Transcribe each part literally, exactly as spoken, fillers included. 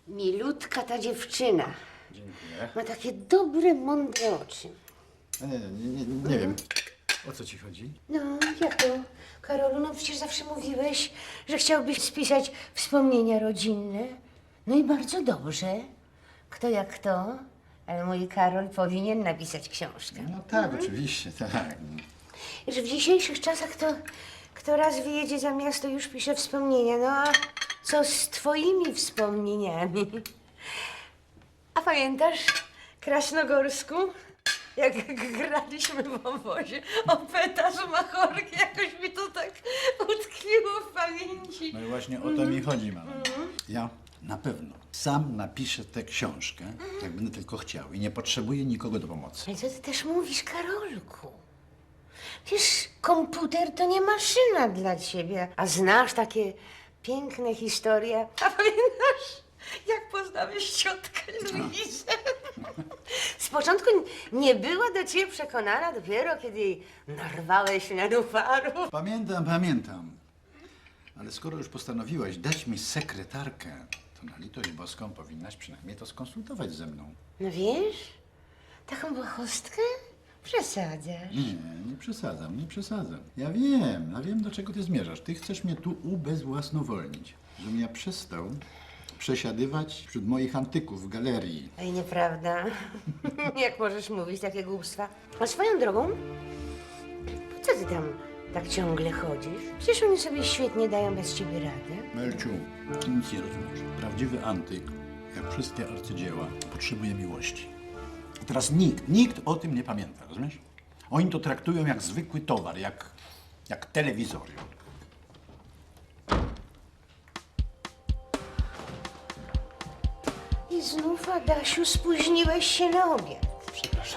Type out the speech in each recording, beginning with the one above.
Milutka ta dziewczyna. Dziękuję. Ma takie dobre, mądre oczy. Nie, nie, nie, nie, nie wiem, o co ci chodzi? No, jak to? Karolu, no przecież zawsze mówiłeś, że chciałbyś spisać wspomnienia rodzinne. No i bardzo dobrze. Kto jak kto, ale mój Karol powinien napisać książkę. No tak, oczywiście, tak. Że w dzisiejszych czasach to kto raz wyjedzie za miasto, już pisze wspomnienia. No a co z twoimi wspomnieniami? A pamiętasz Krasnogorsku? Jak graliśmy w obozie o petaż machorki, jakoś mi to tak utkwiło w pamięci. No i właśnie o to mi chodzi, mama. Ja na pewno sam napiszę tę książkę, jak będę tylko chciał i nie potrzebuję nikogo do pomocy. Ale co ty też mówisz, Karolku? Przecież komputer to nie maszyna dla ciebie. A znasz takie piękne historie? A pamiętasz, jak poznałeś ciotkę Luizę? Z początku nie była do ciebie przekonana, dopiero kiedy jej narwałeś na dufarów. Pamiętam, pamiętam. Ale skoro już postanowiłaś dać mi sekretarkę, to na litość boską powinnaś przynajmniej to skonsultować ze mną. No wiesz, taką błahostkę przesadzasz. Nie, nie przesadzam, nie przesadzam. Ja wiem, ja wiem, do czego ty zmierzasz. Ty chcesz mnie tu ubezwłasnowolnić, żebym ja przestał przesiadywać wśród moich antyków w galerii. Ej, nieprawda. Jak możesz mówić takie głupstwa? A swoją drogą, po co ty tam tak ciągle chodzisz? Przecież oni sobie świetnie dają bez ciebie radę. Melciu, ty nic nie rozumiesz. Prawdziwy antyk, jak wszystkie arcydzieła, potrzebuje miłości. A teraz nikt, nikt o tym nie pamięta, rozumiesz? Oni to traktują jak zwykły towar, jak, jak telewizory. I znów, Adasiu, spóźniłeś się na obiad. Przepraszam.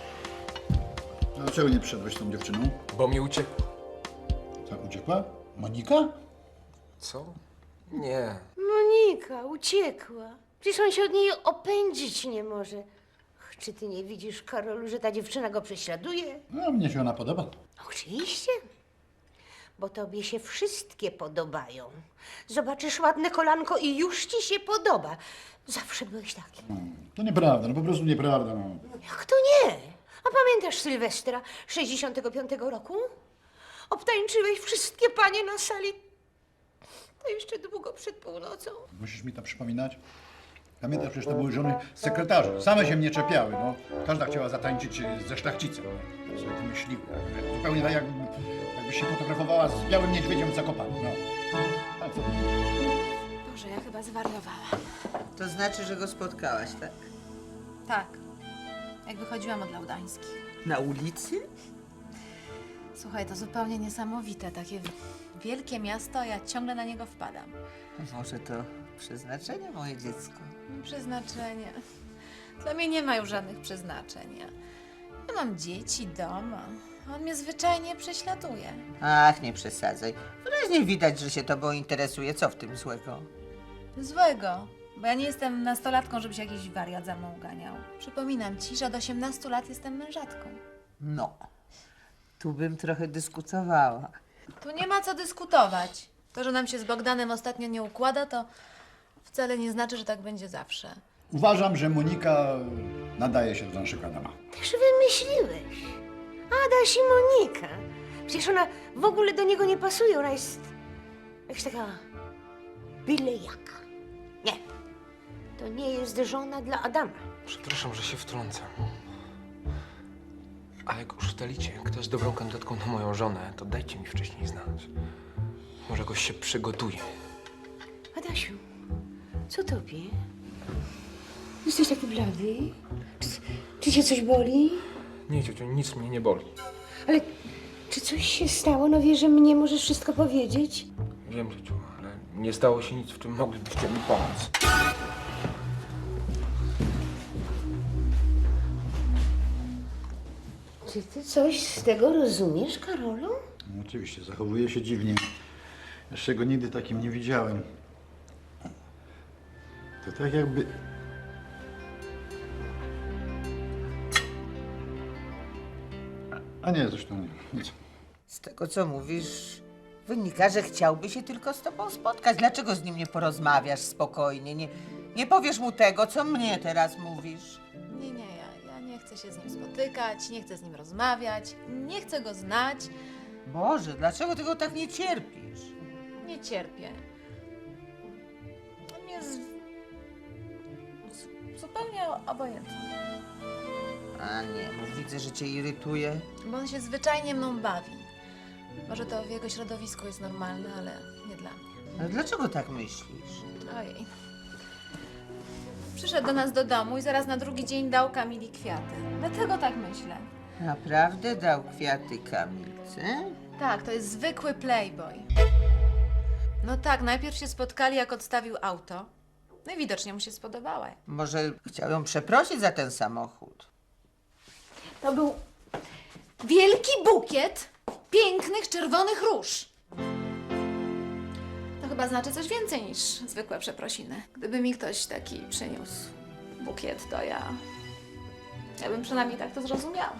A dlaczego nie przyszedłeś z tą dziewczyną? Bo mi uciekło. Ta uciekła? Monika? Co? Nie. Monika uciekła. Przecież on się od niej opędzić nie może. Ach, czy ty nie widzisz, Karolu, że ta dziewczyna go prześladuje? No, mnie się ona podoba. Oczywiście. Bo tobie się wszystkie podobają. Zobaczysz ładne kolanko i już ci się podoba. Zawsze byłeś taki. To nieprawda, no po prostu nieprawda. No. Jak to nie? A pamiętasz Sylwestra sześćdziesiątego piątego roku? Obtańczyłeś wszystkie panie na sali. To jeszcze długo przed północą. Musisz mi to przypominać? Pamiętasz, przecież to były żony sekretarzy. Same się mnie czepiały, no. Każda chciała zatańczyć ze szlachcicem. Tak sobie wymyśliły. Zupełnie tak, jak, jakbyś się fotografowała z białym niedźwiedziem w Zakopanem, no. A co? Boże, ja chyba zwariowałam. To znaczy, że go spotkałaś, tak? Tak, jak wychodziłam od Laudańskich. Na ulicy? Słuchaj, to zupełnie niesamowite, takie wielkie miasto, a ja ciągle na niego wpadam. Może to przeznaczenie, moje dziecko? Przeznaczenie. Dla mnie nie ma już żadnych przeznaczeń. Ja, ja mam dzieci, dom, a on mnie zwyczajnie prześladuje. Ach, nie przesadzaj. Wyraźnie widać, że się tobą interesuje. Co w tym złego? Złego, bo ja nie jestem nastolatką, żeby się jakiś wariat za mną uganiał. Przypominam ci, że od osiemnastu lat jestem mężatką. No, tu bym trochę dyskutowała. Tu nie ma co dyskutować. To, że nam się z Bogdanem ostatnio nie układa, to wcale nie znaczy, że tak będzie zawsze. Uważam, że Monika nadaje się do naszego Adama. Też wymyśliłeś. Adaś i Monika. Przecież ona w ogóle do niego nie pasuje. Ona jest jakaś taka byle jaka. Nie. To nie jest żona dla Adama. Przepraszam, że się wtrącam. Ale jak już ustalicie, kto jest dobrą kandydatką na moją żonę, to dajcie mi wcześniej znać. Może jakoś się przygotuję. Adasiu, co tobie? Jesteś taki blady? Czy, czy cię coś boli? Nie, ciociu, nic mnie nie boli. Ale czy coś się stało? No wiesz, że mnie możesz wszystko powiedzieć? Wiem, ciociu, ale nie stało się nic, w czym moglibyście mi pomóc. Czy ty coś z tego rozumiesz, Karolu? No, oczywiście, zachowuje się dziwnie. Jeszcze go nigdy takim nie widziałem. To tak jakby... A nie, zresztą nie, nic. Z tego, co mówisz, wynika, że chciałby się tylko z tobą spotkać. Dlaczego z nim nie porozmawiasz spokojnie? Nie, Nie powiesz mu tego, co mnie teraz mówisz. Nie, nie, ja, ja nie chcę się z nim spotykać, nie chcę z nim rozmawiać, nie chcę go znać, Boże, dlaczego ty go tak nie cierpisz? nie cierpię. On jest z- zupełnie obojętny, A nie, bo widzę, że cię irytuje. bo on się zwyczajnie mną bawi. Może to w jego środowisku jest normalne, ale nie dla mnie. Ale dlaczego tak myślisz? Ojej. Przyszedł do nas do domu i zaraz na drugi dzień dał Kamili kwiaty. Dlatego tak myślę. Naprawdę dał kwiaty Kamilce? Tak, to jest zwykły playboy. No tak, najpierw się spotkali, jak odstawił auto. No i widocznie mu się spodobała. Może chciał ją przeprosić za ten samochód? To był wielki bukiet pięknych, czerwonych róż. To chyba znaczy coś więcej niż zwykłe przeprosiny. Gdyby mi ktoś taki przyniósł bukiet, to ja... Ja bym przynajmniej tak to zrozumiała.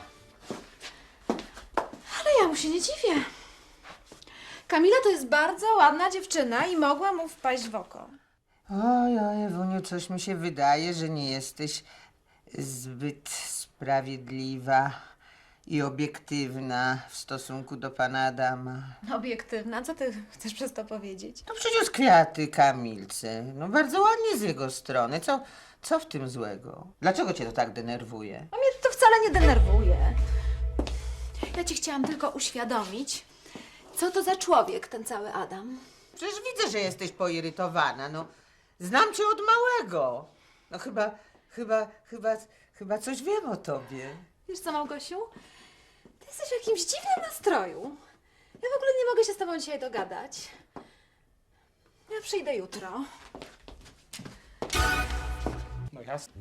Ale ja mu się nie dziwię. Kamila to jest bardzo ładna dziewczyna i mogła mu wpaść w oko. Oj, oj, Ewuniu, coś mi się wydaje, że nie jesteś zbyt sprawiedliwa i obiektywna w stosunku do pana Adama. Obiektywna, co ty chcesz przez to powiedzieć? No przyniósł kwiaty Kamilce. No bardzo ładnie z jego strony. Co, co w tym złego? Dlaczego cię to tak denerwuje? A mnie to wcale nie denerwuje. Ja ci chciałam tylko uświadomić, co to za człowiek ten cały Adam. Przecież widzę, że jesteś poirytowana. No, znam cię od małego. No chyba, chyba, chyba, chyba coś wiem o tobie. Wiesz co, Małgosiu? Ty jesteś w jakimś dziwnym nastroju. Ja w ogóle nie mogę się z tobą dzisiaj dogadać. Ja przyjdę jutro. No jasne.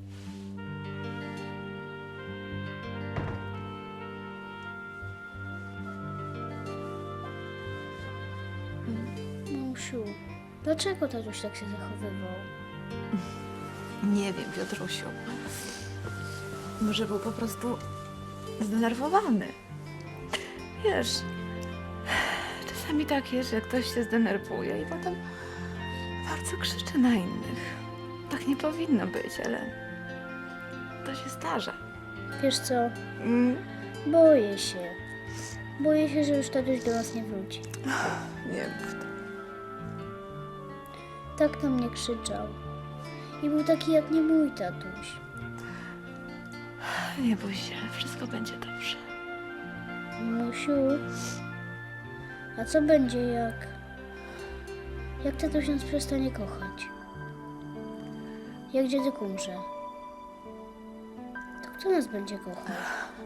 Mamusiu, dlaczego tatuś tak się zachowywał? Nie wiem, Piotrusiu. Może był po prostu zdenerwowany. Wiesz, czasami tak jest, że ktoś się zdenerwuje i potem bardzo krzyczy na innych. Tak nie powinno być, ale to się zdarza. Wiesz co, Mm, boję się. Boję się, że już tatuś do nas nie wróci. nie mów to. Tak na mnie krzyczał. I był taki jak nie mój tatuś. Nie bój się, wszystko będzie dobrze. Mamusiu, a co będzie jak... Jak tatuś nas przestanie kochać? Jak dziadek umrze? To kto nas będzie kochał?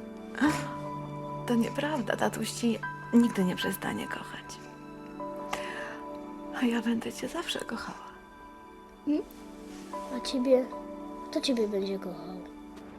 To nieprawda, tatuś ci nigdy nie przestanie kochać. A ja będę cię zawsze kochała. A ciebie? Kto ciebie będzie kochał?